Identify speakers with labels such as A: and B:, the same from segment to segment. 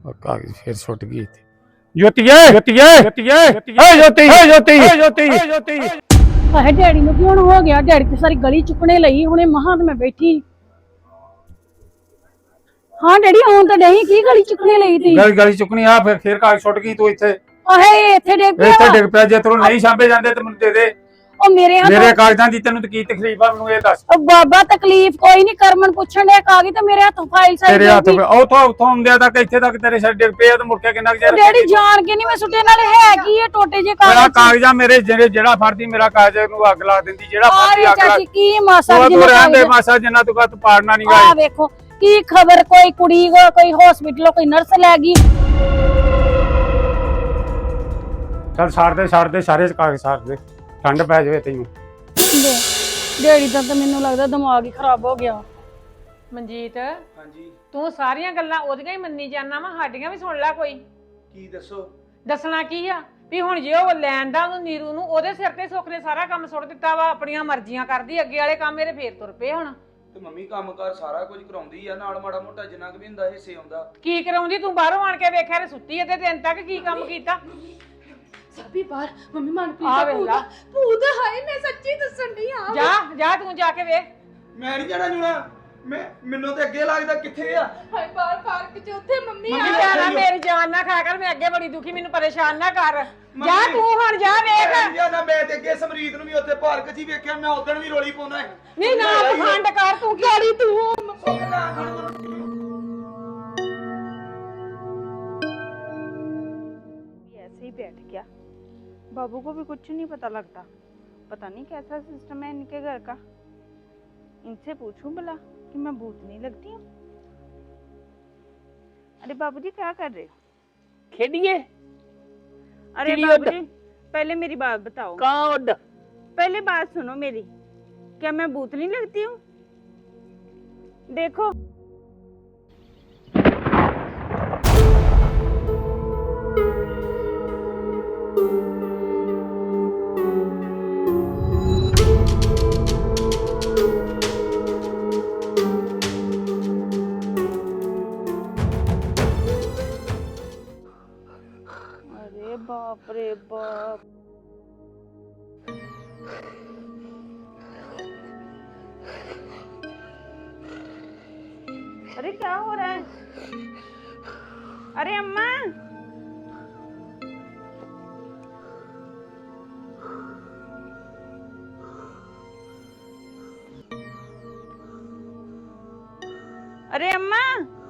A: कागज फिर सुट गई थी। ज्योतिए ज्योतिए ज्योतिए ज्योति ज्योति ज्योति ज्योति।
B: ਆਹੇ ਡੈਡੀ ਨੂੰ ਕੀ ਹੁਣ ਹੋ ਗਿਆ? ਡੈਡੀ ਤੇ ਸਾਰੀ ਗਲੀ ਚੁੱਕਣੇ ਲਈ ਹੁਣੇ ਮਹਾਂ ਤੇ ਮੈਂ ਬੈਠੀ। ਹਾਂ ਡੈਡੀ ਆਉਣ ਤਾਂ ਨਹੀਂ, ਕੀ ਗਲੀ ਚੁੱਕਣੇ ਲਈ ਤੀ?
A: गली गली चुकनी आ फिर कागज सुट गई तू इथे
B: ਆਹੇ ਇੱਥੇ ਡਿੱਗ ਪਿਆ।
A: इथे डिग पिया। जे तेनू नहीं सामभे जांदे ते मैनू दे दे।
B: ਉਹ ਮੇਰੇ
A: मेरे
B: ਹੱਥ
A: कागजां दी तेनू की तकलीफ आ मैनू ये दस।
B: ਉਹ ਬਾਬਾ ਤਕਲੀਫ ਕੋਈ ਨਹੀਂ, ਕਰਮਨ ਪੁੱਛਣ ਦੇ ਕਾਗਜ਼ ਤੇ ਮੇਰੇ ਹੱਥੋਂ ਫਾਈਲ ਸਾਰੀ
A: तेरे हाथ उथों उथों आउंदे तक इथे तक तेरे सिर डिग पिया ते मुड़ के किन्ना चेर
B: ਡੈਡੀ ਜਾਣ ਕੇ ਨਹੀਂ ਮੈਂ ਸੁੱਟੇ, ਨਾਲੇ ਹੈ ਕੀ ਇਹ ਟੋਟੇ ਜੇ
A: मेरा
B: ਕਾਗਜ਼?
A: कागजा मेरे जेड़ा फड़दी मेरा कागज नू अग ला दिंदी। जेड़ा फड़दी अग ला
B: ਚਾਚੀ ਕੀ ਮਾਸਾ
A: तू
B: ਜਿੰਨਾ
A: रहन दे
B: ਕਾਗਜ਼?
A: मासा जिन्ना तू तू पाड़ना नहीं
B: ਆ
A: गा।
B: ਵੇਖੋ ਕੀ ਖਬਰ, ਕੋਈ ਕੁੜੀ ਕੋਈ ਹਸਪੀਟਲੋਂ ਕੋਈ ਨਰਸ ਲੈ ਗਈ।
A: चल साड़ दे सारे कागज साड़ दे, ठंड पै जावे तैनू।
B: ਡੈਡੀ ਦਾ ਤਾਂ ਮੈਨੂੰ ਲੱਗਦਾ ਦਿਮਾਗ ਹੀ ਖਰਾਬ ਹੋ ਗਿਆ।
C: ਮਨਜੀਤ
D: ਹਾਂਜੀ
C: ਤੂੰ ਸਾਰੀਆਂ ਗੱਲਾਂ ਉਹਦੀਆਂ ਹੀ ਮੰਨੀ ਜਾਂਦਾ ਵਾ, ਸਾਡੀਆਂ ਵੀ ਸੁਣ ਲੈ ਕੋਈ।
D: ਕੀ ਦੱਸੋ?
C: ਦੱਸਣਾ ਕੀ ਆ ਵੀ ਹੁਣ ਜੇ ਉਹ ਲੈਣ ਦਾ ਉਹਨੂੰ ਨੀਰੂ ਨੂੰ ਉਹਦੇ ਸਿਰ ਤੇ ਸੁੱਖ ਨੇ ਸਾਰਾ ਕੰਮ ਸੁੱਟ ਦਿੱਤਾ ਵਾ, ਆਪਣੀਆਂ ਮਰਜ਼ੀਆਂ ਕਰਦੀ, ਅੱਗੇ ਵਾਲੇ ਕੰਮ ਮੇਰੇ ਫੇਰ ਤੁਰ ਪਏ ਹੁਣ।
D: ਤੇ ਮੰਮੀ ਕੰਮਕਾਰ ਸਾਰਾ ਕੁਝ ਕਰਾਉਂਦੀ ਆ, ਨਾਲ ਮਾੜਾ ਮੋਟਾ ਜਿੰਨਾ ਕੁ ਵੀ ਹੁੰਦਾ ਹਿੱਸੇ ਆਉਂਦਾ।
C: ਕੀ ਕਰਾਉਂਦੀ ਤੂੰ? ਬਾਹਰੋਂ ਆਣ ਕੇ ਵੇਖਿਆ ਤੇ ਸੁੱਤੀ ਇਹਦੇ ਦਿਨ ਤੱਕ ਕੀ ਕੰਮ ਕੀਤਾ?
E: ਸਭੀ ਬਾਰ ਮੰਮੀ
C: ਆ
E: ਮਨਪ੍ਰੀਤ
C: ਵੇਖ
E: ਦਾ
C: ਲਾ।
E: ਭੂਤ ਹਾਏ, ਮੈਂ ਸੱਚੀ ਦੱਸਣ ਦੀ ਆ।
C: ਜਾ ਤੂੰ ਜਾ ਕੇ ਵੇਖ।
D: ਮੈਂ ਨਹੀਂ ਜਾਣਾ ਜੁਣਾ, ਮੈਨੂੰ ਤੇ ਅੱਗੇ ਲੱਗਦਾ ਕਿੱਥੇ ਆ।
E: ਹਾਏ ਬਾਰ ਪਾਰਕ ਚ ਉੱਥੇ ਮੰਮੀ
D: ਮੰਮੀ
E: ਆ।
C: ਜਾਣਾ ਮੇਰੀ ਜਾਨ ਨਾ ਖਾ ਕਰ, ਮੈਂ ਅੱਗੇ ਬੜੀ ਦੁਖੀ, ਮੈਨੂੰ ਪਰੇਸ਼ਾਨ ਨਾ ਕਰ। ਜਾ ਤੂੰ ਹੁਣ ਜਾ ਵੇਖ।
D: ਨਾ ਮੈਂ ਤੇ ਅੱਗੇ ਸਮਰੀਤ ਨੂੰ ਵੀ ਉੱਥੇ ਪਾਰਕ 'ਚ ਹੀ ਵੇਖਿਆ, ਮੈਂ ਉਦੋਂ ਵੀ ਰੋਲੀ ਪਾਉਣਾ ਹੈ।
C: ਨਹੀਂ ਨਾ ਪਖੰਡ ਕਰ ਤੂੰ, ਕਿਹੜੀ ਤੂੰ
F: ऐसे ही बैठ गया। बाबू को भी कुछ नहीं पता लगता, पता नहीं कैसा सिस्टम है इनके घर का। इनसे पूछूं भला कि मैं भूतनी लगती हूँ। अरे बाबूजी क्या कर रहे हो?
G: खेडिए।
F: अरे
G: चिड़िया
F: बाबूजी पहले मेरी बात बताओ।
G: कहाँ उड़?
F: पहले बात सुनो मेरी, क्या मैं भूतनी लगती हूँ? देखो अरे बाप रे बाप। अरे क्या हो रहा है? अरे अम्मा अरे अम्मा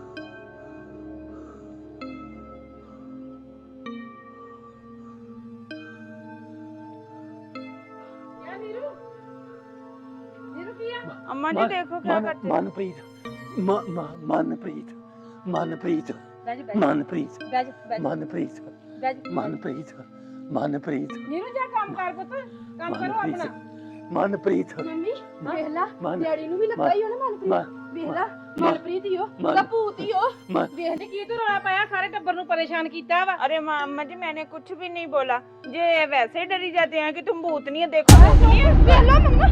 F: अम्मा जी देखो क्या करते हो।
G: मनप्रीत मनप्रीत मनप्रीत मनप्रीत मनप्रीत मनप्रीत मनप्रीत
C: नीरू जा काम कर पुੱਤ, ਕੰਮ ਕਰੋ ਆਪਣਾ।
G: मनप्रीत
E: ਮੰਮੀ ਵੇਖ ਲਾ,
G: ਮਨ-
E: ਡੈਡੀ ਨੂੰ ਵੀ ਲੱਗਾ ਹੀ ਹੋਣਾ ਮਨਪ੍ਰੀਤ। ਵੇਖ ਲਾ ਮਨਪ੍ਰੀਤ ਹੀ ਹੋ, ਉਹਦਾ ਭੂਤ ਹੀ ਹੋ। ਵੇਖ ਲੈ
C: ਕੀ ਤੂੰ ਰੌਲਾ ਪਾਇਆ, ਸਾਰੇ ਟੱਬਰ ਨੂੰ परेशान ਕੀਤਾ ਵਾ।
F: अरे अम्मा जी मैंने कुछ भी नहीं बोला, ये वैसे ही डरी जाते हैं कि तुम भूतनी है। देखो भूतनी है।
E: ਵੇਖ ਲਾ ਮੰਮਾ।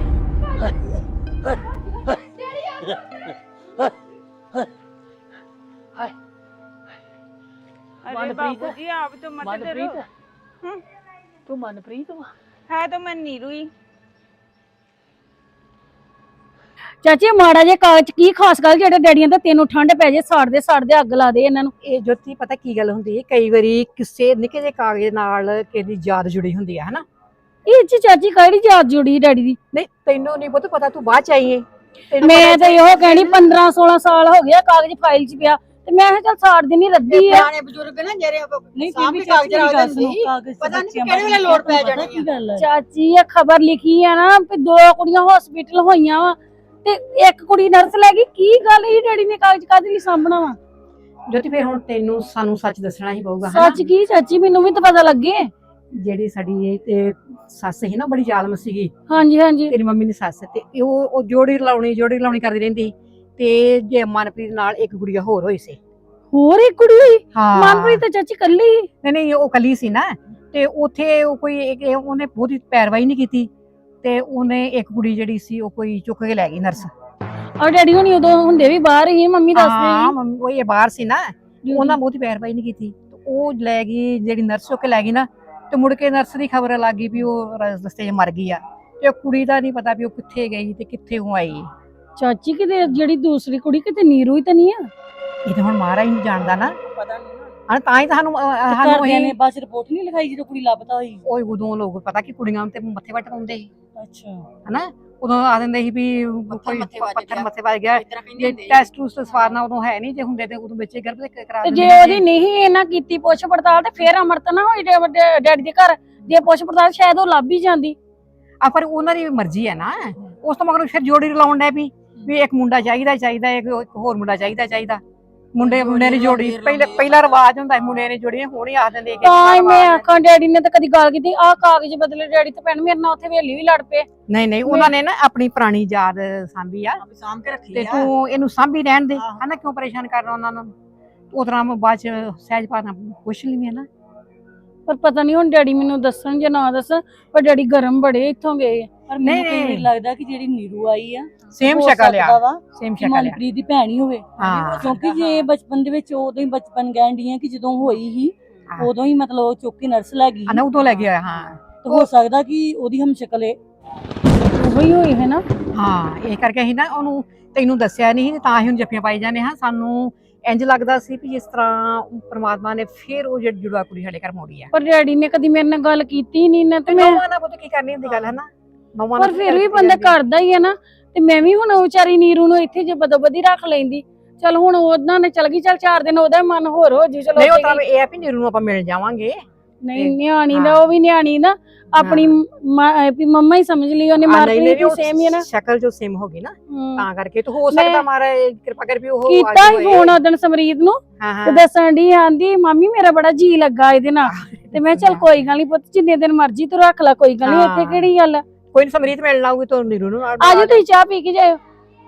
F: अरे
G: मनप्रीत,
F: बाबूजी आप तो मत डरो।
G: मनप्रीत तू मनप्रीत हो?
F: है तो मैं नीरू ही।
B: ਚਾਚੀ ਮਾੜਾ ਜੇ ਕਾਗਜ਼ ਕੀ ਖਾਸ ਗੱਲ ਜਿਹੜੇ ਡੈਡੀਆਂ ਦਾ ਤੈਨੂੰ ਠੰਡ ਪੈ ਜੇ, ਸਾੜਦੇ ਅੱਗ ਲਾ ਦੇ ਇਹਨਾਂ ਨੂੰ।
H: ਇਹ ਜੋਤੀ ਪਤਾ ਕੀ ਗੱਲ ਹੁੰਦੀ ਹੈ, ਕਈ ਵਾਰੀ ਕਿਸੇ ਨਿੱਕੇ ਜਿਹੇ ਕਾਗਜ਼ ਨਾਲ ਕਿਸੇ ਦੀ ਯਾਦ ਜੁੜੀ ਹੁੰਦੀ ਹੈ ਹਨਾ।
B: ਇਹ ਚ ਚਾਚੀ ਕਿਹੜੀ ਯਾਦ ਜੁੜੀ ਡੈਡੀ ਦੀ?
H: ਨਹੀਂ ਤੈਨੂੰ ਨਹੀਂ ਪੁੱਤ ਪਤਾ, ਤੂੰ ਬਾਅਦ ਚ ਆਈ ਹੈ।
B: ਮੈਂ ਤਾਂ ਇਹੋ ਕਹਿਣੀ 15-16 ਸਾਲ ਹੋ ਗਿਆ ਕਾਗਜ਼ ਫਾਈਲ 'ਚ ਪਿਆ, ਤੇ ਮੈਂ ਕਿਹਾ ਚੱਲ ਸਾੜ ਦੇਣੀ ਰੱਦੀ ਆ।
H: ਪੁਰਾਣੇ ਬਜ਼ੁਰਗ ਨੇ ਜਿਹੜੇ
B: ਨਹੀਂ
H: ਸਾਹਮਣੇ ਕਾਗਜ਼ ਰੱਖ ਦਿੰਦੇ ਸੀ, ਪਤਾ ਨਹੀਂ ਕਿਹੜੇ ਵੇਲੇ ਲੋੜ ਪੈ ਜਾਣੀ ਆ।
B: ਚਾਚੀ ਇਹ ਖਬਰ ਲਿਖੀ ਆ ਨਾ ਵੀ 2 ਕੁੜੀਆਂ ਹਸਪੀਟਲ ਹੋਈਆਂ ਵਾ ਤੇ 1 ਕੁੜੀ ਨਰਸ ਲੈ ਗਈ। ਕੀ ਗੱਲ ਇਹ ਡੈਡੀ ਨੇ ਕਾਗਜ਼ ਕਾਹਦੇ ਲਈ ਸਾਂਭਣਾ ਵਾ?
H: ਜੋਤੀ ਫਿਰ ਹੁਣ ਤੈਨੂੰ ਸਾਨੂੰ ਸੱਚ ਦੱਸਣਾ ਹੀ ਪਊਗਾ
B: ਸੱਚ ਕੀ ਚਾਚੀ, ਮੈਨੂੰ ਵੀ ਤਾਂ ਪਤਾ ਲੱਗੇ।
H: ਜਿਹੜੀ ਸਾਡੀ ਇਹ ਤੇ ਸੱਸ ਸੀ ਨਾ, ਬੜੀ ਜ਼ਾਲਮ ਸੀਗੀ
B: ਹਾਂਜੀ
H: ਤੇਰੀ ਮੰਮੀ ਦੀ ਸੱਸ, ਤੇ ਉਹ ਜੋੜੀ ਲਾਉਣੀ ਕਰਦੀ ਰਹਿੰਦੀ। ਤੇ ਜੇ ਮਨਪ੍ਰੀਤ ਨਾਲ ਇੱਕ ਗੁੜੀਆ ਹੋਰ ਹੋਈ ਸੀ।
B: ਹੋਰ ਇੱਕ ਕੁੜੀ ਹੋਈ?
H: ਹਾਂ
B: ਮਨਪ੍ਰੀਤ ਤਾਂ ਚਾਚੀ ਕੱਲੀ।
H: ਨਹੀਂ ਉਹ ਕੱਲੀ ਸੀ ਨਾ, ਤੇ ਉੱਥੇ ਉਹ ਕੋਈ ਉਹਨੇ ਬਹੁਤੀ ਪੈਰਵਾਈ ਨਹੀਂ ਕੀਤੀ, ਤੇ ਉਹਨੇ ਇੱਕ ਕੁੜੀ ਜਿਹੜੀ ਸੀ ਉਹ ਕੋਈ ਚੁੱਕ ਕੇ ਲੈ ਗਈ ਨਰਸ।
B: ਔਰ ਡੈਡੀ ਹੁਣੀ ਉਦੋਂ ਹੁੰਦੇ ਵੀ ਬਾਹਰ ਹੀ, ਮੰਮੀ ਦੱਸਦੇ
H: ਹਾਂ ਮੰਮੀ ਉਹ ਇਹ ਬਾਹਰ ਸੀ ਨਾ, ਉਹਨਾਂ ਬਹੁਤੀ ਪੈਰਵਾਈ ਨਹੀਂ ਕੀਤੀ ਤੇ ਉਹ ਲੈ ਗਈ, ਜਿਹੜੀ ਨਰਸ ਚੁੱਕ ਕੇ ਲੈ ਗਈ ਨਾ, ਤੇ ਮੁੜ ਕੇ ਨਰਸ ਦੀ ਖਬਰ ਲੱਗ ਗਈ ਵੀ ਉਹ ਰਸਤੇ 'ਚ ਮਰ ਗਈ ਆ, ਤੇ ਉਹ ਕੁੜੀ ਦਾ ਨਹੀਂ ਪਤਾ ਵੀ ਉਹ ਕਿੱਥੇ ਗਈ ਤੇ ਕਿੱਥੇ ਉਹ ਆਈ।
B: ਚਾਚੀ ਕਿਤੇ ਜਿਹੜੀ ਦੂਸਰੀ ਕੁੜੀ ਕਿਤੇ ਨੀਰੂ ਹੀ ਤਾਂ ਨਹੀਂ ਆ?
H: ਇਹ ਤਾਂ ਹੁਣ ਮਹਾਰਾਜ ਨਹੀਂ ਜਾਣਦਾ ਨਾ,
I: ਪਤਾ ਨਹੀਂ
H: ਹਾਂ ਤਾਂ ਹੀ ਤਾਂ ਸਾਨੂੰ
I: ਘਰਦਿਆਂ ਨੇ ਬਸ ਰਿਪੋਰਟ ਨਹੀਂ ਲਿਖਾਈ ਜਦੋਂ ਕੁੜੀ ਲੱਭਦਾ ਹੋਈ।
H: ਉਹ ਉਦੋਂ ਲੋਕ ਪਤਾ ਕਿ ਕੁੜੀਆਂ ਤੇ ਮੱਥੇ ਵੱਟ ਪਾਉਂਦੇ ਸੀ
I: ਅੱਛਾ
H: ਹਨਾ, ਉਦੋਂ ਆ ਦਿੰਦੇ ਸੀ ਵੀ ਕੋਈ
I: ਮੱਥੇ ਵੱਜ
H: ਪੱਥਰ
I: ਗਿਆ।
H: ਮੱਥੇ ਵੱਜ ਗਿਆ,
I: ਇਤਰਾ ਕਹਿੰਦੇ
H: ਜੇ
I: ਹੁੰਦੇ ਸੀ।
H: ਟੈਸਟ ਟੂਸਟ ਸਵਾਰਨਾ ਉਦੋਂ ਹੈ ਨਹੀਂ, ਜੇ ਹੁੰਦੇ ਤੇ ਉਦੋਂ ਬੱਚੇ ਗਰਭ ਤੇ ਕਰਾ
B: ਤੇ
H: ਦਿੰਦੇ
B: ਜੇ
H: ਸੀ।
B: ਉਹਦੀ ਨਹੀਂ ਇਹਨਾਂ ਕੀਤੀ ਪੁੱਛ ਪੜਤਾਲ ਤੇ ਫੇਰ ਅਮਰਤ ਨਾ ਹੋਈ ਡੈਡੀ ਦੇ ਘਰ, ਜੇ ਪੁੱਛ ਪੜਤਾਲ ਸ਼ਾਇਦ ਉਹ ਲੱਭ ਹੀ ਜਾਂਦੀ।
H: ਆ ਪਰ ਉਹਨਾਂ ਦੀ ਮਰਜ਼ੀ ਹੈ ਨਾ, ਉਸ ਤੋਂ ਮਗਰੋਂ ਫਿਰ ਜੋੜੀ ਰਲਾਉਣ ਡੈ ਵੀ ਇੱਕ ਮੁੰਡਾ ਚਾਹੀਦਾ ਇੱਕ ਹੋਰ ਮੁੰਡਾ ਚਾਹੀਦਾ ਮੁੰਡੇ ਦੀ ਜੋੜੀ ਪਹਿਲਾ ਰਿਵਾਜ ਹੁੰਦਾ ਹੈ, ਮੁੰਡੇ ਨੇ ਜੋੜੀ ਹੁਣ ਹੀ ਆਖ ਦਿੰਦੇ
B: ਤਾਂ ਹੀ ਮੈਂ ਆਖਾਂ ਡੈਡੀ ਨੇ ਤਾਂ ਕਦੀ ਗੱਲ ਕੀਤੀ ਆਹ ਕਾਗਜ਼ ਬਦਲੇ ਡੈਡੀ ਤੇ ਭੈਣ ਮੇਰੇ ਨਾਲ ਉੱਥੇ ਵੇਲੀ ਵੀ ਲੜ ਪਏ।
H: ਨਹੀਂ ਉਹਨਾਂ ਨੇ ਨਾ ਆਪਣੀ ਪੁਰਾਣੀ ਯਾਦ ਸਾਂਭੀ ਆ,
I: ਸਾਂਭ ਕੇ ਰੱਖੀ
H: ਤੇ
I: ਆ।
H: ਤੂੰ ਇਹਨੂੰ ਸਾਂਭੀ ਰਹਿਣ ਦੇ ਹਨਾ, ਕਿਉਂ ਪਰੇਸ਼ਾਨ ਕਰਨਾ ਉਹਨਾਂ ਨੂੰ। ਉਤਰਾ ਬਾਅਦ ਚ ਸਹਿਜ ਪਾਣਾ ਪੁੱਛ ਲਈ ਮੈਂ ਨਾ,
B: ਪਰ ਪਤਾ ਨਹੀਂ ਹੁਣ ਡੈਡੀ ਮੈਨੂੰ ਦੱਸਣ ਜਾਂ ਨਾ ਦੱਸਣ, ਪਰ ਡੈਡੀ ਗਰਮ ਬੜੇ ਇੱਥੋਂ ਗਏ।
I: ਪਰ ਮੈਨੂੰ
H: ਨਹੀਂ।
I: ਕਈ ਵਾਰੀ ਲੱਗਦਾ ਕਿ ਜਿਹੜੀ ਨੀਰੂ ਆਈ ਆ
H: ਸੇਮ
I: ਹੋ
H: ਸ਼ਕਲ
I: ਸਕਦਾ
H: ਆ,
I: ਵਾ
H: ਸੇਮ
I: ਕਿ
H: ਸ਼ਕਲ ਆ।
I: ਮਨਪ੍ਰੀਤ ਦੀ ਭੈਣ ਹੀ ਹੋਵੇ।
H: ਹਾਂ
I: ਕਿਉਂਕਿ ਜੇ ਬਚਪਨ ਦੇ ਵਿੱਚ ਉਦੋਂ ਹੀ ਬਚਪਨ ਕਹਿਣ ਡਈ ਆ ਕਿ ਜਦੋਂ ਹੋਈ ਹੀ ਉਦੋਂ ਹੀ ਮਤਲਬ ਉਹ ਚੁੱਕ ਕੇ ਨਰਸ ਲੈ ਗਈ,
H: ਅਨਾ ਉਦੋਂ ਲੈ ਗਿਆ। ਹਾਂ
I: ਤੇ ਹੋ ਸਕਦਾ ਕਿ ਉਹਦੀ ਹਮ ਸ਼ਕਲ ਹੈ।
B: ਉਹੀ ਹੋਈ ਹੈ ਨਾ।
H: ਹਾਂ ਇਹ ਕਰਕੇ ਅਸੀਂ ਨਾ ਉਹਨੂੰ ਤੈਨੂੰ ਦੱਸਿਆ ਨਹੀਂ, ਤਾਂ ਹੀ ਹੁਣ ਜੱਫੀਆਂ ਪਾਈ ਜਾਂਦੇ ਹਾਂ। ਸਾਨੂੰ ਇੰਜ ਲੱਗਦਾ ਸੀ ਵੀ ਜਿਸ ਤਰ੍ਹਾਂ ਪ੍ਰਮਾਤਮਾ ਨੇ ਫਿਰ ਉਹ ਜਿਹੜੀ ਜੁੜਵਾ ਕੁੜੀ ਸਾਡੇ ਘਰ ਮੋੜੀ ਆ।
B: ਪਰ ਡੈਡੀ ਨੇ ਕਦੀ ਮੇਰੇ ਨਾਲ ਗੱਲ ਕੀਤੀ ਨਹੀਂ ਨਾ, ਤੇ ਮੈਂ
H: ਨੌਵਾਂ ਨਾਲ ਪੁੱਤ ਕੀ ਕਰਨੀ ਹੁੰਦੀ ਗੱਲ ਹੈ ਨਾ, ਨੌਵਾਂ ਨਾਲ
B: ਪਰ ਫਿਰ ਵੀ ਬੰਦਾ ਕਰਦਾ ਹੀ ਹੈ ਨਾ। ਤੇ ਮੈਂ ਵੀ ਹੁਣ ਵਿਚਾਰੀ ਨੀਰੂ ਨੂੰ ਇੱਥੇ ਜੇ ਬਦੋਬਦੀ ਰੱਖ ਲੈਂਦੀ, ਚਲ ਹੁਣ ਉਹਨਾਂ ਨੇ ਚਲ ਗਈ, ਚਲ 4 ਦਿਨ ਉਹਦਾ ਮਨ ਹੋਰ ਹੋ ਜੂ। ਚਲੋ
H: ਨਹੀਂ ਉਹ ਤਾਂ ਇਹ ਆ ਵੀ ਨੀਰੂ ਨੂੰ ਆਪਾਂ ਮਿਲ ਜਾਵਾਂਗੇ।
B: ਨਹੀਂ ਨਿਆਣੀ ਦਾ ਉਹ ਵੀ ਨਿਆਣੀ ਨਾ ਆਪਣੀ ਵੀ ਮੰਮਾ ਹੀ ਸਮਝ ਲਈ ਉਹਨੇ, ਮਾਰਕੀਟ ਵੀ ਸੇਮ ਹੀ ਹੈ ਨਾ,
H: ਸ਼ਕਲ ਜੋ ਸੇਮ ਹੋ ਗਈ ਨਾ,
B: ਹਮ।
H: ਤਾਂ ਕਰਕੇ ਤੇ ਹੋ ਸਕਦਾ ਮਾਰਾ ਕਿਰਪਾ ਕਰ ਵੀ ਉਹ
B: ਕੀਤਾ ਹੀ ਫੋਨ ਉਹਦਨ ਸਮਰੀਤ ਨੂੰ ਤੇ ਦੱਸਣ ਦੀ ਆਂਦੀ ਮਾਮੀ ਮੇਰਾ ਬੜਾ ਜੀ ਲੱਗਾ ਇਹਦੇ ਨਾਲ, ਤੇ ਮੈਂ ਚਲ ਕੋਈ ਗੱਲ ਨਹੀਂ ਪੁੱਤ ਜਿੰਨੇ ਦਿਨ ਮਰਜ਼ੀ ਤੂੰ ਰੱਖ ਲੈ, ਕੋਈ ਗੱਲ ਨਹੀਂ, ਇੱਥੇ ਕਿਹੜੀ ਗੱਲ ਆ।
H: ਕੋਈ ਨੀ ਸਮਰੀਤ ਮਿਲਣ ਆਊਗੀ ਤਾਂ ਨੀਰੂ ਨੂੰ
B: ਆਜੋ ਤੁਸੀਂ ਚਾਹ ਪੀ ਕੇ ਜਾਇਓ।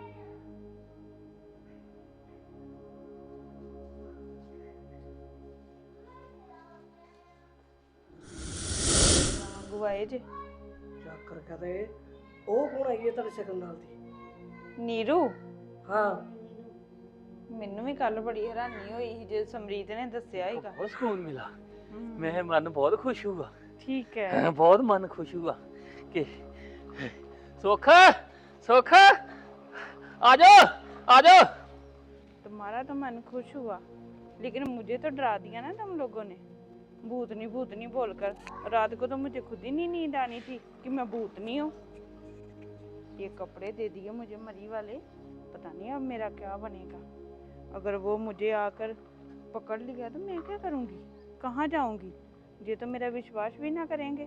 F: ਗੁਆਏ ਜੇ
G: ਚੱਕਰ ਕਰੇ ਉਹ ਕੌਣ ਆਈ ਹੈ ਤੁਹਾਡੇ ਸ਼ਕਲ ਨਾਲ ਦੀ?
F: ਨੀਰੂ
G: ਹਾਂ
F: ਮੈਨੂੰ ਵੀ ਕੱਲ ਬੜੀ ਹੈਰਾਨੀ ਹੋਈ ਸੀ ਜੇ ਸਮਰੀਤ ਨੇ ਦੱਸਿਆ ਹੀਗਾ।
G: ਬਹੁਤ ਸਕੂਨ ਮਿਲਾ, ਮੈਂ ਮਨ ਬਹੁਤ ਖੁਸ਼ ਹੁਆ।
F: ਠੀਕ ਹੈ,
G: ਬਹੁਤ ਮਨ ਖੁਸ਼ हुआ कि सुख सुख आ जाओ।
F: तुम्हारा तो मन खुश हुआ, लेकिन मुझे तो डरा दिया ना तुम लोगों ने। भूतनी बोलकर रात को तो मुझे खुद ही नहीं नींद आनी थी कि मैं भूतनी हूँ। ये कपड़े दे दिए मुझे मरी वाले, पता नहीं अब मेरा क्या बनेगा। अगर वो मुझे आकर पकड़ लिया तो मैं क्या करूँगी, कहाँ जाऊँगी? ये तो मेरा विश्वास भी ना करेंगे।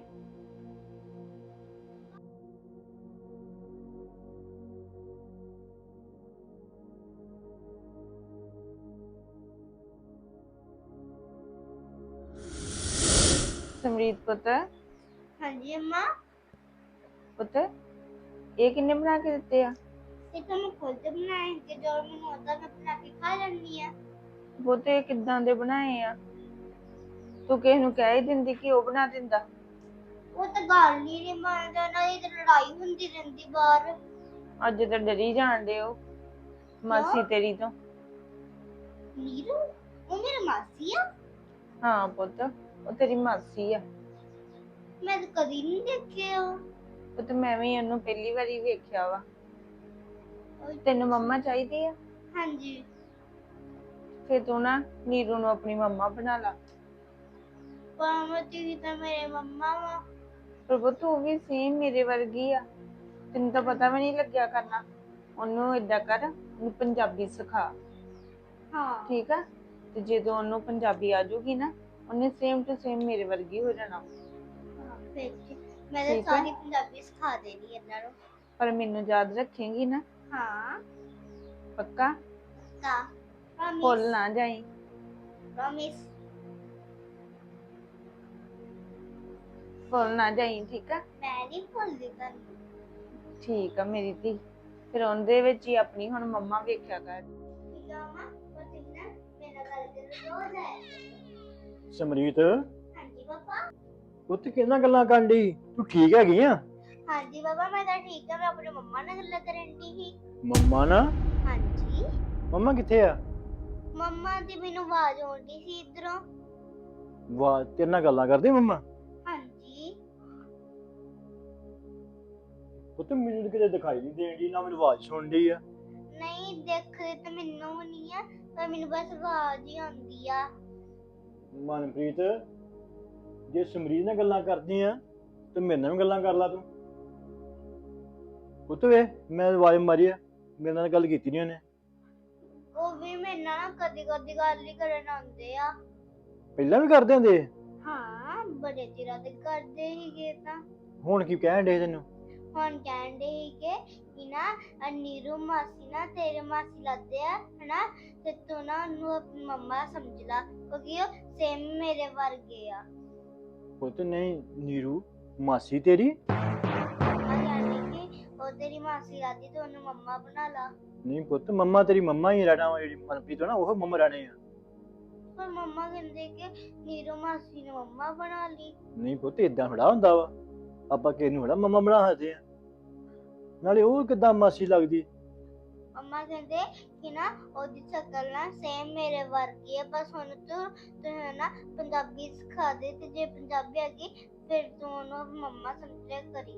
F: ਸਮਰੀਤ ਪੁੱਤ,
E: ਹਾਂਜੀ ਅੰਮਾ,
F: ਪੁੱਤ ਇਹ ਕਿੰਨੇ ਬਣਾ ਕੇ ਦਿੱਤੇ ਆ?
E: ਇਹ ਤਾਂ ਮੈਂ ਖੁਦ ਬਣਾਏ ਕਿ ਜੋ ਮੈਨੂੰ ਆਉਂਦਾ ਮੈਂ ਬਣਾ ਕੇ ਖਾ ਲੈਂਦੀ ਆ।
F: ਪੁੱਤ ਇਹ ਕਿੱਦਾਂ ਦੇ ਬਣਾਏ ਆ? ਤੂੰ ਕਿਸੇ ਨੂੰ ਕਹਿ ਹੀ ਦਿੰਦੀ ਕਿ ਉਹ ਬਣਾ ਦਿੰਦਾ।
E: ਉਹ ਤਾਂ ਗੱਲ ਨਹੀਂ ਮੰਨਦਾ, ਨਾ ਇਹ ਲੜਾਈ ਹੁੰਦੀ ਰਹਿੰਦੀ ਬਾਹਰ।
F: ਅੱਜ ਤਾਂ ਡਰੀ ਜਾਣਦੇ ਹੋ ਮਾਸੀ ਤੇਰੀ ਤੋਂ।
E: ਨੀਰੂ ਉਹ ਮੇਰੀ ਮਾਸੀ ਆ?
F: ਹਾਂ ਪੁੱਤ ਉਹ ਤੇਰੀ ਮਾਸੀ ਆ।
E: ਮੈਂ ਤਾਂ ਕਦੀ ਨਹੀਂ ਦੇਖਿਆ ਉਹ।
F: ਪੁੱਤ ਮੈਂ ਵੀ ਉਹਨੂੰ ਪਹਿਲੀ ਵਾਰੀ ਵੇਖਿਆ ਵਾ। ਤੈਨੂੰ ਮੰਮਾ ਚਾਹੀਦੀ ਆ?
E: ਹਾਂਜੀ।
F: ਫਿਰ ਤੂੰ ਨਾ ਨੀਰੂ ਨੂੰ ਆਪਣੀ ਮੰਮਾ ਬਣਾ ਲਾ।
E: ਪਾਮਾ ਜੀ ਤਾਂ ਮੇਰੇ ਮੰਮਾ ਵਾ।
F: ਪਰ ਪੁੱਤ ਉਹ ਵੀ ਸੇਮ ਮੇਰੇ ਵਰਗੀ ਆ, ਤੈਨੂੰ ਤਾਂ ਪਤਾ ਵੀ ਨਹੀਂ ਲੱਗਿਆ ਕਰਨਾ। ਉਹਨੂੰ ਏਦਾਂ ਕਰ, ਉਹਨੂੰ ਪੰਜਾਬੀ ਸਿਖਾ।
E: ਹਾਂ
F: ਠੀਕ ਆ, ਤੇ ਜਦੋਂ ਉਹਨੂੰ ਪੰਜਾਬੀ ਆ ਜਾਊਗੀ ਨਾ ਉਹਨੇ ਸੇਮ ਟੂ ਸੇਮ ਮੇਰੇ ਵਰਗੀ ਹੋ ਜਾਣਾ।
E: ਫਿਰ ਮੈਂ ਤਾਂ ਸਾਰੀ ਪੰਜਾਬੀ ਸਿਖਾ ਦੇਣੀ ਇਹਨਾਂ ਨੂੰ।
F: ਪਰ ਮੈਨੂੰ ਯਾਦ ਰੱਖੇਂਗੀ ਨਾ?
E: ਹਾਂ
F: ਪੱਕਾ?
E: ਪੱਕਾ।
F: ਭੁੱਲ ਨਾ ਜਾਈ।
E: ਪ੍ਰੋਮਿਸ।
F: ਭੁੱਲ ਨਾ ਜਾਈ, ਠੀਕ ਆ?
E: ਮੈਂ ਨਹੀਂ ਭੁੱਲਦੀ ਤੁਹਾਨੂੰ।
F: ਠੀਕ ਆ ਮੇਰੀ ਧੀ। ਫਿਰ ਉਹਦੇ ਵਿੱਚ ਹੀ ਆਪਣੀ ਹੁਣ ਮੰਮਾ ਵੇਖਿਆ ਕਰ।
E: ਠੀਕ ਆ ਮਾਂ, ਉਹ ਤੁਸੀਂ ਨਾ ਮੇਰਾ ਗੱਲ ਕਰੋ ਰੋਜ਼ ਆਇਆ।
A: ਸਮਰੀਤ
E: ਹਾਂਜੀ ਪਾਪਾ।
A: ਉੱਥੇ ਕਿੰਨਾ ਗੱਲਾਂ ਕਰਨ ਡਈ, ਤੂੰ ਠੀਕ ਹੈਗੀ ਆ?
E: ਹਾਂਜੀ ਪਾਪਾ ਮੈਂ ਤਾਂ ਠੀਕ ਆ, ਮੈਂ ਆਪਣੇ ਮੰਮਾ ਨਾਲ ਗੱਲਾਂ ਕਰਨ ਦੀ ਸੀ।
A: ਮੰਮਾ ਨਾ?
E: ਹਾਂਜੀ।
A: ਮੰਮਾ ਕਿੱਥੇ ਆ?
J: ਮੰਮਾ ਦੀ ਮੈਨੂੰ ਆਵਾਜ਼ ਆਉਂਦੀ ਸੀ ਇਧਰੋਂ।
K: ਵਾਹ, ਤੇਰੇ ਨਾਲ ਗੱਲਾਂ ਕਰਦੀ ਮੰਮਾ?
J: ਹਾਂਜੀ।
K: ਪੁੱਤ ਮੈਨੂੰ ਤਾਂ ਕਿਤੇ ਦਿਖਾਈ ਨਹੀਂ ਦੇਣ ਨਾ ਮੈਨੂੰ ਆਵਾਜ਼ ਸੁਣਦੀ ਆ।
J: ਨਹੀਂ ਦੇਖਦੇ ਤਾਂ ਮੈਨੂੰ ਵੀ ਨਹੀਂ ਆ, ਪਰ ਮੈਨੂੰ ਬਸ ਆਵਾਜ਼ ਹੀ ਆਉਂਦੀ ਆ।
K: ਮਨਪ੍ਰੀਤ, ਜੇ ਸਮਰੀਤ ਨਾਲ ਗੱਲਾਂ ਕਰਦੀ ਆ ਤੇ ਮੇਰੇ ਨਾਲ ਵੀ ਗੱਲਾਂ ਕਰ ਲਾ ਤੂੰ। ਪੁੱਤ ਵੇ, ਮੈਂ ਆਵਾਜ਼ ਮਾਰੀ ਆ, ਮੇਰੇ ਨਾਲ ਗੱਲ ਕੀਤੀ ਨਹੀਂ ਉਹਨੇ।
J: ਉਹ ਵੀ ਮੇਰੇ ਨਾਲ ਨਾ ਕਦੀ ਕਦੀ ਗੱਲ ਹੀ ਕਰਨ ਆਉਂਦੇ ਆ।
K: ਪਹਿਲਾਂ ਵੀ ਕਰਦੇ ਹੁੰਦੇ?
J: ਹਾਂ, ਬੜੇ ਚਿਰਾਂ ਦੇ ਕਰਦੇ ਹੀਗੇ ਤਾਂ।
K: ਹੁਣ ਕੀ ਕਹਿਣ ਡੇ ਤੈਨੂੰ?
J: ਹੁਣ ਕਹਿੰਦੇ ਹੀਗੇ ਕਿ ਨਾ ਨੀਰੂ ਮਾਸੀ ਨਾ ਤੇਰੇ ਮਾਸੀ ਲੱਗਦੇ ਆ ਹਨਾ, ਤੇ ਤੂੰ ਨਾ ਉਹਨੂੰ ਆਪਣੀ ਮੰਮਾ ਸਮਝ ਲਾ ਕਿਉਂਕਿ ਉਹ ਸੇਮ ਮੇਰੇ ਵਰਗੇ ਆ।
K: ਪੁੱਤ ਨਹੀਂ, ਨੀਰੂ ਮਾਸੀ ਤੇਰੀ?
J: ਮੰਮਾ ਕਹਿੰਦੇ ਕਿ ਉਹ ਤੇਰੀ ਮਾਸੀ ਲੱਗਦੀ ਤੇ ਉਹਨੂੰ ਮੰਮਾ ਬਣਾ ਲਾ।
K: ਨਹੀਂ ਪੁੱਤ, ਮੰਮਾ ਤੇਰੀ ਮੰਮਾ ਹੀ ਰਹਿਣਾ ਵਾ, ਜਿਹੜੀ ਮਨਪ੍ਰੀਤ ਆ ਨਾ ਉਹ ਮੰਮਾ ਰਹਿਣੇ ਆ।
J: ਪਰ ਮੰਮਾ ਕਹਿੰਦੇ ਕਿ ਨੀਰੂ ਮਾਸੀ ਨੇ ਮੰਮਾ ਬਣਾ ਲਈ।
K: ਨਹੀਂ ਪੁੱਤ, ਏਦਾਂ ਥੋੜਾ ਹੁੰਦਾ ਵਾ, ਆਪਾਂ ਕਿਸੇ ਨੂੰ ਥੋੜਾ ਮੰਮਾ ਬਣਾ ਸਕਦੇ ਆ। ਨਾਲੇ ਉਹ ਕਿੱਦਾਂ ਮਾਸੀ ਲੱਗਦੀ?
J: ਮੰਮਾ ਕਹਿੰਦੇ ਕਿ ਨਾ ਉਹਦੀ ਸ਼ਕਲ ਨਾ ਸੇਮ ਮੇਰੇ ਵਰਗੀ ਹੈ, ਬਸ ਹੁਣ ਤੂੰ ਨਾ ਪੰਜਾਬੀ ਸਿਖਾ ਦੇ, ਤੇ ਜੇ ਪੰਜਾਬੀ ਆ ਗਈ ਫਿਰ ਤੂੰ ਉਹਨੂੰ ਮੰਮਾ ਸਮਝਿਆ ਕਰੀ।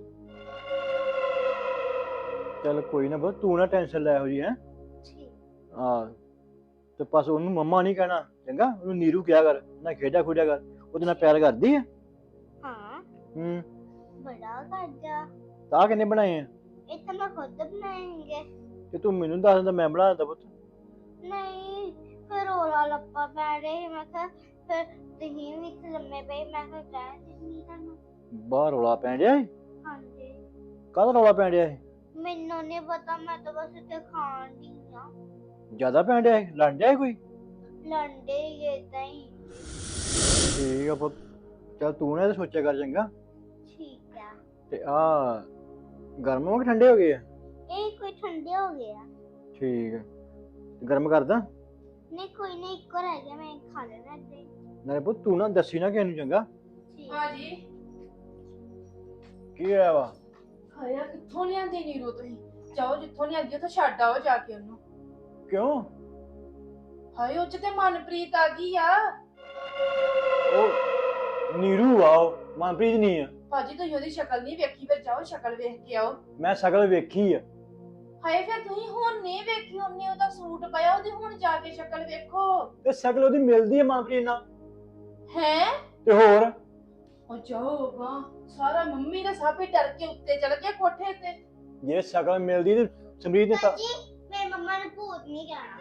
K: ਚੱਲ ਕੋਈ ਨਾ ਪੁੱਤ, ਤੂੰ ਨਾ ਟੈਨਸ਼ਨ ਲੈ ਹੋ ਜੀ। ਹੈ ਹਾਂ, ਤੇ ਬਸ ਉਹਨੂੰ ਮੰਮਾ ਨਹੀਂ ਕਹਿਣਾ, ਚੰਗਾ? ਉਹਨੂੰ ਨੀਰੂ ਕਿਹਾ ਕਰ, ਨਾ ਖੇਡਿਆ ਖੁੱਡਿਆ ਕਰ, ਉਹਦੇ ਨਾਲ ਪਿਆਰ ਕਰਦੀ ਆ?
J: ਹਾਂ, ਬੜਾ ਕਰਦਾ।
K: ਤਾਂ ਕਿੰਨੇ ਬਣਾਏ ਆ?
J: ਇਹ ਤਾਂ ਮੈਂ ਖੁਦ ਬਣਾਏਂਗੇ।
K: ਤੇ ਤੂੰ ਮੈਨੂੰ ਦੱਸ ਦਿੰਦਾ, ਮੈਂ ਬਣਾ ਦਿੰਦਾ ਪੁੱਤ।
J: ਨਹੀਂ, ਫਿਰ ਰੋਲਾ ਲੱਪਾ ਪੈ ਰਹੇ, ਮੈਂ ਕਿਹਾ ਫਿਰ ਤੁਸੀਂ ਵੀ ਇੱਥੇ ਲੰਮੇ ਪਏ, ਮੈਂ ਕਿਹਾ ਕਹਿ ਦਿੰਦੀ ਤੁਹਾਨੂੰ।
K: ਬਾਹਰ ਰੌਲਾ ਪੈਣ ਡਿਆ ਸੀ?
J: ਹਾਂਜੀ।
K: ਕਾਹਦਾ ਰੌਲਾ ਪੈਣ ਡਿਆ ਸੀ?
J: ਮੈਨੂੰ ਨਹੀਂ ਪਤਾ, ਮੈਂ ਤਾਂ ਬਸ ਇੱਥੇ ਖਾਣ ਦੀ ਆ।
K: ਜ਼ਿਆਦਾ ਪੈਣ ਡਿਆ ਸੀ? ਲੜ ਡਿਆ ਸੀ ਕੋਈ?
J: ਲੰਡੇ ਹੀ ਏਦਾਂ ਹੀ।
K: ਠੀਕ ਆ ਪੁੱਤ, ਚੱਲ ਤੂੰ ਨਾ ਇਹ ਸੋਚਿਆ ਕਰ, ਚੰਗਾ?
J: ਠੀਕ ਆ।
K: ਤੇ ਆ ਗਰਮ ਹੋ ਕੇ ਠੰਡੇ ਹੋ ਗਏ ਆ?
J: ਇਹ ਕੋਈ ਠੰਡੇ ਹੋ ਗਿਆ।
K: ਠੀਕ ਆ, ਗਰਮ ਕਰਦਾ?
J: ਨਹੀਂ ਕੋਈ ਨਹੀਂ, ਇੱਕੋ ਰਹਿ ਗਿਆ, ਮੈਂ ਖਾ ਲੈਣਾ ਇੱਥੇ।
K: ਨਾਲੇ ਪੁੱਤ ਤੂੰ ਨਾ ਦੱਸੀ ਨਾ ਕਿਸੇ ਨੂੰ, ਚੰਗਾ?
E: ਹਾਂਜੀ।
K: ਕੀ ਹੋਇਆ ਵਾ?
E: ਹਾਇਆ ਕਿੱਥੋਂ ਲਿਆਂਦੀ ਨੀਰੂ ਤੁਸੀਂ? ਜਾਓ ਜਿੱਥੋਂ ਲਿਆਂਦੀ ਉੱਥੇ ਛੱਡ ਆਓ ਜਾ ਕੇ ਉਹਨੂੰ।
K: ਕਿਉਂ?
E: ਹਾਏ ਉਹ ਚ ਤੇ ਮਨਪ੍ਰੀਤ ਆ ਗਈ ਆ।
K: ਉਹ ਨੀਰੂ ਆ, ਉਹ ਮਨਪ੍ਰੀਤ ਨਹੀਂ ਆ।
E: ਭਾਜੀ ਤੁਸੀਂ ਉਹਦੀ ਸ਼ਕਲ ਨਹੀਂ ਵੇਖੀ, ਫਿਰ ਜਾਓ ਸ਼ਕਲ ਵੇਖ ਕੇ ਆਓ।
K: ਮੈਂ ਸ਼ਕਲ ਵੇਖੀ ਆ।
E: ਹਾਏ ਫਿਰ ਤੁਸੀਂ ਹੁਣ ਨਹੀਂ ਵੇਖੀ, ਉਹਨੇ ਉਹਦਾ ਸੂਟ ਪਾਇਆ, ਉਹਦੀ ਹੁਣ ਜਾ ਕੇ ਸ਼ਕਲ ਵੇਖੋ।
K: ਤੇ ਸ਼ਕਲ ਉਹਦੀ ਮਿਲਦੀ ਆ ਮਨਪ੍ਰੀਤ ਨਾਲ।
E: ਹੈ
K: ਤੇ ਹੋਰ?
E: ਉਹ ਜਾਓ ਵਾ, ਸਾਰਾ ਮੰਮੀ ਦਾ ਸਾਬੇ ਡਰ ਕੇ ਉੱਤੇ ਚੜ ਗਿਆ ਕੋਠੇ ਤੇ।
K: ਜੇ ਸ਼ਕਲ ਮਿਲਦੀ ਤੇ ਸਮਰੀਤ ਨੇ ਤਾਂ
J: ਜੀ ਮੇਰੇ ਮੰਮਾ ਨੇ ਭੂਤ ਨਹੀਂ ਕਹਿਣਾ।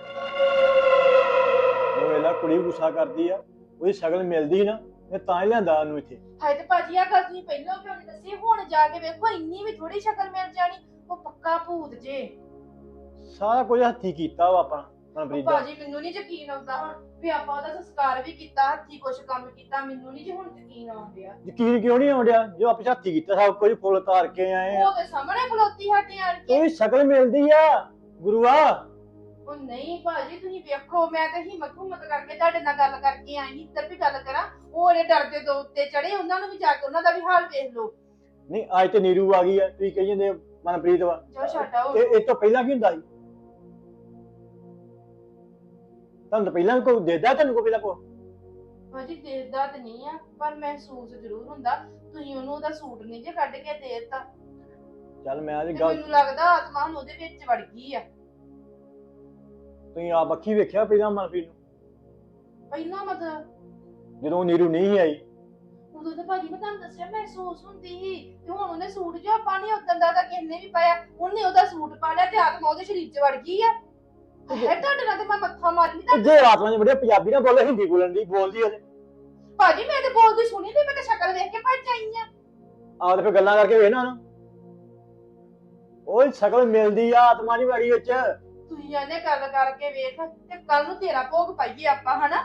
K: ਉਹ ਵੇਲਾ ਕੁੜੀ ਗੁੱਸਾ ਕਰਦੀ ਆ, ਉਹਦੀ ਸ਼ਕਲ ਮਿਲਦੀ ਨਾ, ਮੈਂ ਤਾਂ ਹੀ ਲਿਆਂਦਾ ਉਹਨੂੰ ਇੱਥੇ।
E: ਹਾਏ ਤੇ ਭਾਜੀ ਆ ਗੱਲ ਤੁਸੀਂ ਪਹਿਲਾਂ ਕਿਉਂ ਨਹੀਂ ਦੱਸੀ? ਹੁਣ ਜਾ ਕੇ ਵੇਖੋ, ਇੰਨੀ ਵੀ ਥੋੜੀ ਸ਼ਕਲ ਮਿਲ ਜਾਣੀ, ਉਹ ਪੱਕਾ ਭੂਤ ਜੇ।
K: ਸਾਰਾ ਕੁਝ ਹੱਥੀ ਕੀਤਾ ਵਾ ਆਪਣਾ ਮਨਪ੍ਰੀਤ ਦਾ।
E: ਭਾਜੀ ਮੈਨੂੰ ਨਹੀਂ ਯਕੀਨ ਆਉਂਦਾ ਹੁਣ ਵੀ ਆਪਾਂ ਉਹਦਾ ਸੰਸਕਾਰ ਵੀ ਕੀਤਾ, ਹੱਥੀ ਕੁਛ ਕੰਮ ਕੀਤਾ, ਮੈਨੂੰ ਨਹੀਂ ਜੀ ਹੁਣ ਯਕੀਨ ਆਉਂਦਿਆ।
K: ਯਕੀਨ ਕਿਉਂ ਨਹੀਂ ਆਉਂਦਿਆ? ਜੋ ਆਪਾਂ ਹੱਥੀ ਕੀਤਾ ਸਭ ਕੁਝ, ਫੁੱਲ ਤਾਰ ਕੇ ਆਏ ਆ।
E: ਉਹ ਤੇ ਸਾਹਮਣੇ ਖਲੋਤੀ ਸਾਡੇ ਆਣ ਕੇ।
K: ਉਹਦੀ ਸ਼ਕਲ ਮਿਲਦੀ ਆ ਗੁਰੂਆ।
E: ਉਹ ਨਹੀਂ ਭਾਜੀ ਤੁਸੀਂ ਵੇਖੋ, ਮੈਂ ਤਾਂ ਹਿੰਮਤ ਕਰਕੇ ਤੁਹਾਡੇ ਨਾਲ ਗੱਲ ਕਰਕੇ ਆਈ ਸੀ, ਇੱਧਰ ਵੀ ਗੱਲ ਕਰਾਂ। ਉਹ ਜਿਹੜੇ ਡਰਦੇ ਦੋ ਉੱਤੇ ਚੜੇ, ਉਹਨਾਂ ਨੂੰ ਵੀ ਜਾ ਕੇ ਉਹਨਾਂ ਦਾ ਵੀ ਹਾਲ ਵੇਖ ਲਓ।
K: ਨਹੀਂ, ਅੱਜ ਤੇ ਨੀਰੂ ਆ ਗਈ ਆ, ਤੁਸੀਂ ਕਹੀ ਜਾਂਦੇ ਮਨਪ੍ਰੀਤ ਵਾ।
E: ਜਾਓ ਛੱਡ ਆਓ।
K: ਇਹ ਤੋਂ ਪਹਿਲਾਂ ਕੀ ਹੁੰਦਾ ਸੀ? ਤੁਹਾਨੂੰ ਤਾਂ ਪਹਿਲਾਂ ਕੋਈ ਦੇਦਾ, ਤੁਹਾਨੂੰ ਕੋਈ ਪਹਿਲਾਂ ਕੋਈ?
E: ਭਾਜੀ ਦੇਖਦਾ ਤੇ ਨਹੀਂ ਆ, ਪਰ ਮਹਿਸੂਸ ਜ਼ਰੂਰ ਹੁੰਦਾ। ਤੁਸੀਂ ਉਹਨੂੰ ਉਹਦਾ ਸੂਟ ਨਹੀਂ ਜੇ ਕੱਢ ਕੇ ਦੇ ਦਿੱਤਾ।
K: ਚੱਲ ਮੈਂ ਅੱਜ
E: ਤੇ
K: ਗੱਲ,
E: ਮੈਨੂੰ ਲੱਗਦਾ ਆਤਮਾ ਹੁਣ ਉਹਦੇ ਵਿੱਚ ਵੜ ਗਈ ਆ।
K: ਤੁਸੀਂ ਆਪ ਅੱਖੀ ਵੇਖਿਆ ਪਹਿਲਾਂ ਮਨਪ੍ਰੀਤ ਨੂੰ?
E: ਪਹਿਲਾਂ ਮਤਲਬ
K: ਜਦੋਂ ਨੀਰੂ ਨਹੀਂ ਆਈ?
E: ਉਦੋਂ ਤਾਂ ਭਾਜੀ ਮੈਂ ਤੁਹਾਨੂੰ ਦੱਸਿਆ ਮਹਿਸੂਸ ਹੁੰਦੀ ਸੀ, ਤੇ ਹੁਣ ਉਹਨੇ ਸੂਟ ਜੋ ਆਪਾਂ ਨੇ ਉਦੋਂ ਦਾ ਤਾਂ ਕਿਸੇ ਨੇ ਵੀ ਪਾਇਆ, ਉਹਨੇ ਉਹਦਾ ਸੂਟ ਪਾ ਲਿਆ ਤੇ ਆਤਮਾ ਉਹਦੇ ਸਰੀਰ 'ਚ ਵੜ ਗਈ ਆ। ਹੈ ਤੁਹਾਡੇ ਨਾਲ ਤੇ ਮੈਂ ਮੱਥਾ ਮਾਰਨੀ ਤਾਂ।
K: ਜੇ ਆਤਮਾ ਨੇ ਬੜੇ ਪੰਜਾਬੀ ਨਾ ਬੋਲੇ, ਹਿੰਦੀ ਬੋਲਦੀ ਉਹਦੇ।
E: ਭਾਜੀ ਮੈਂ ਤੇ ਬੋਲਦੀ ਸੁਣੀ ਤੇ ਮੈਂ ਤਾਂ ਸ਼ਕਲ ਵੇਖ ਕੇ ਭੱਜ ਆਈ ਆ।
K: ਆਹ ਤੇ ਫਿਰ ਗੱਲਾਂ ਕਰਕੇ ਵੇਖ ਨਾ ਉਹਨੂੰ। ਉਹ ਸ਼ਕਲ ਮਿਲਦੀ ਆ, ਆਤਮਾ ਨਹੀਂ ਵੜੀ ਵਿੱਚ।
E: ਤੁਸੀਂ ਇਹਨੇ ਗੱਲ ਕਰਕੇ ਵੇਖ, ਤੇ ਕੱਲ ਨੂੰ ਤੇਰਾ ਭੋਗ ਪਾਈਏ ਆਪਾਂ, ਹਨਾ?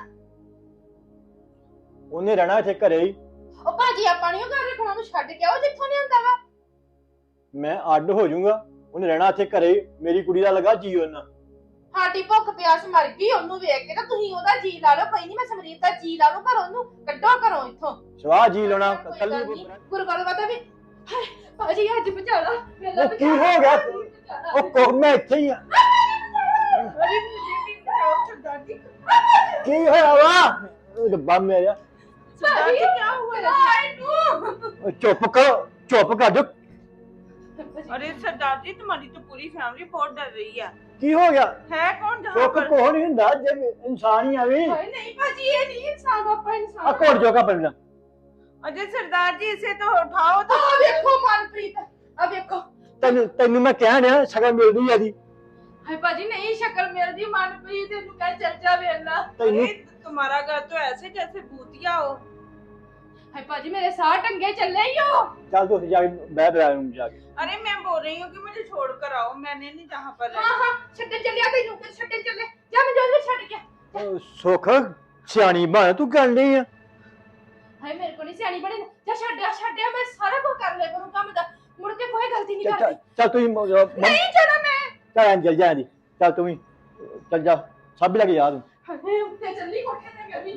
K: ਉਹਨੇ ਰਹਿਣਾ ਇੱਥੇ ਘਰੇ ਹੀ।
E: ਉਹ ਭਾਜੀ ਆਪਾਂ ਨਹੀਂ ਉਹ ਘਰ ਰੱਖਣਾ, ਉਹਨੂੰ ਛੱਡ ਕੇ ਆਓ ਜਿੱਥੋਂ ਲਿਆਂਦਾ ਵਾ।
K: ਮੈਂ ਅੱਡ ਹੋ ਜਾਊਂਗਾ, ਉਹਨੇ ਰਹਿਣਾ ਇੱਥੇ ਘਰੇ ਹੀ। ਮੇਰੀ ਕੁੜੀ ਦਾ ਲਗਾ ਜੀ ਉਹਨਾਂ।
E: ਸਾਡੀ ਭੁੱਖ ਪਿਆਸ ਮਰ ਗਈ ਉਹਨੂੰ ਵੇਖ ਕੇ, ਤਾਂ ਤੁਸੀਂ ਉਹਦਾ ਜੀ ਲਾ ਲਓ। ਕੋਈ ਨਹੀਂ, ਮੈਂ ਸਮਰੀਤ ਦਾ ਜੀ ਲਾ ਲੂ, ਪਰ ਉਹਨੂੰ ਕੱਢੋ ਘਰੋਂ ਇੱਥੋਂ।
K: ਸਵਾਹ ਜੀ ਲਾਉਣਾ ਕੱਲੀ।
E: ਗੁਰਗਲ ਪਤਾ ਵੀ ਭਾਜੀ ਅੱਜ ਬਚਾਲਾ।
K: ਉਹ ਕੀ ਹੋ ਗਿਆ? ਉਹ ਕੋਹ ਮੈਂ ਇੱਥੇ ਹੀ ਆ।
E: ਅਰੇ ਮੁਝੇ ਵੀ ਕਰਾਓ ਛੱਡਾ ਦੀ।
K: ਕੀ ਹੋਇਆ ਵਾ ਰੱਬਾ ਮੇਰਾ
F: सरदार जी क्या हुआ है?
K: ਚੁੱਪ ਕਰ ਜੋ
F: अरे सरदार जी तुम्हारी तो पूरी फैमिली बहुत डर रही है
K: ਕੀ ਹੋ ਗਿਆ
F: है कौन जहाँ
K: ਸੁੱਖ
F: पर
K: ਕੋਹ ਨਹੀਂ ਹੁੰਦਾ ਜੇ ਇਨਸਾਨ ਹੀ ਆਵੇ
E: ਹਾਏ ਨਹੀਂ ਭਾਜੀ ਇਹ ਨਹੀਂ ਇਨਸਾਨ ਆਪਾਂ
K: ਆ
E: ਇਨਸਾਨ
K: ਘੋੜ ਜੋਗਾ ਪਹਿਲਾਂ
F: अजय सरदार जी इसे तो उठाओ तो
E: ਆ ਵੇਖੋ ਮਨਪ੍ਰੀਤ ਆ ਵੇਖੋ
K: ਤੈਨੂੰ ਮੈਂ ਕਹਿਣ ਡਿਆ ਸ਼ਕਲ ਮਿਲਦੀ ਆ ਦੀ
E: ਹਾਏ ਭਾਜੀ ਨਹੀਂ ਸ਼ਕਲ ਮਿਲਦੀ ਮਨਪ੍ਰੀਤ ਇਹਨੂੰ ਕਹਿ ਚੱਲ ਜਾ ਵੇਲਾ
K: ਤੈਨੂੰ
F: अरे तुम्हारा घर तो ऐसे जैसे भूतिया हो
E: ਹਾਏ ਭਾਜੀ ਮੇਰੇ ਸਾਹ ਟੰਗੇ ਚੱਲੇ ਹੀ ਹੋ
K: ਚੱਲ ਤੂੰ ਉੱਥੇ ਜਾ ਕੇ ਬਹਿ ਬਹਿ ਰੂਮ ਜਾ ਕੇ
F: अरे मैं बोल रही हूँ कि मुझे छोड़ कर आओ मैंने नहीं जहाँ पर
E: ਹਾਂ
F: रहना
E: ਹਾਂ ਛੱਡਣ ਚੱਲਿਆ ਤੈਨੂੰ ਕਿ ਛੱਡਣ ਚੱਲੇ ਜਾ ਮੈਂ ਜਲਦੀ ਛੱਡ ਕੇ
K: ਸੁੱਖ ਸਿਆਣੀ ਬਣ ਤੂੰ ਕਰਨ ਡਈ ਆ
E: ਹਾਏ ਮੇਰੇ ਕੋਲ ਨਹੀਂ ਸਿਆਣੀ ਬਣੇ ਜਾ ਛੱਡਿਆ ਮੈਂ ਸਾਰਾ ਕੁਝ ਕਰ ਲਿਆ ਕਰੂੰ ਕੰਮ ਦਾ ਮੁੜ ਕੇ ਕੋਈ ਗਲਤੀ ਨਹੀਂ ਕਰਦੀ
K: ਚੱਲ ਤੂੰ
E: ਨਹੀਂ ਜਾਣਾ ਮੈਂ
K: ਚੱਲ ਜਲ ਜਾ ਦੀ ਚੱਲ ਤੂੰ ਵੀ ਚੱਲ ਜਾ ਸਭ ਲੱਗ ਜਾ ਤੂੰ
E: ਹਾਏ ਉੱਤੇ ਚੱਲੀ ਕੋਠੇ ਤੇ ਗਈ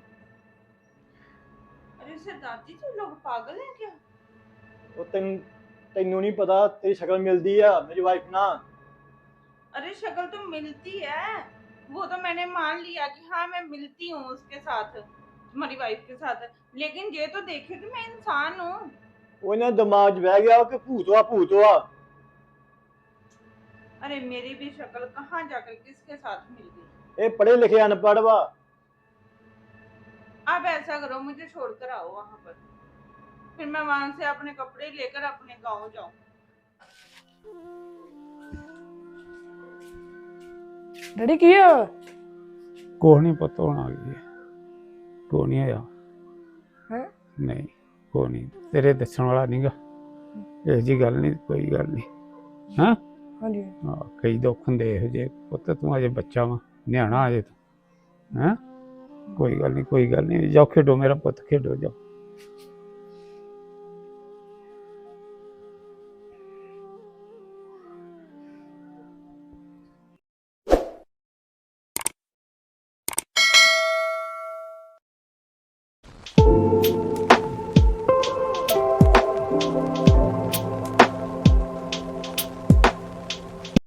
F: अरे सरदार जी तुम लोग पागल हैं क्या
K: ਉਹ ਤੈਨੂੰ ਨਹੀਂ ਪਤਾ ਤੇਰੀ ਸ਼ਕਲ ਮਿਲਦੀ ਆ ਮੇਰੀ ਵਾਈਫ ਨਾਲ
F: अरे शक्ल तो मिलती है वो तो मैंने मान लिया कि हाँ मैं मिलती हूँ उसके साथ तुम्हारी वाइफ के साथ लेकिन ये तो देखे कि मैं इंसान हूँ
K: ਉਹਨਾਂ ਦਿਮਾਗ 'ਚ ਬਹਿ ਗਿਆ ਕਿ ਭੂਤ ਵਾ
F: अरे मेरी भी शक्ल कहाँ जाकर किसके साथ मिल गई
K: ਇਹ ਪੜ੍ਹੇ ਲਿਖੇ ਅਨਪੜ੍ਹ ਵਾ
F: अब ऐसा करो मुझे छोड़कर आओ वहाँ पर फिर मैं वहां से अपने कपड़े लेकर अपने गांव जाऊं
B: ਡੈਡੀ ਕੀ ਆ
A: ਕੋਹ ਨਹੀਂ ਪਤਾ ਹੋਣਾ ਕੀ ਕੋ ਨਹੀਂ ਆਇਆ
B: ਹੈਂ?
A: ਨਹੀਂ ਕੋ ਨਹੀਂ ਤੇਰੇ ਦੱਸਣ ਵਾਲਾ ਨਹੀਂਗਾ ਇਹ ਜੀ ਗੱਲ ਨਹੀਂ ਕੋਈ ਗੱਲ ਨਹੀਂ ਹਾਂ
B: ਹਾਂਜੀ
A: ਹਾਂ ਕਈ ਦੁੱਖ ਹੁੰਦੇ ਇਹੋ ਜਿਹੇ ਪੁੱਤ ਤੂੰ ਅਜੇ ਬੱਚਾ ਵਾ ਨਿਆਣਾ ਅਜੇ ਤੂੰ ਹੈਂ ਕੋਈ ਗੱਲ ਨਹੀਂ ਜਾਓ ਖੇਡੋ ਮੇਰਾ ਪੁੱਤ ਖੇਡੋ ਜਾਓ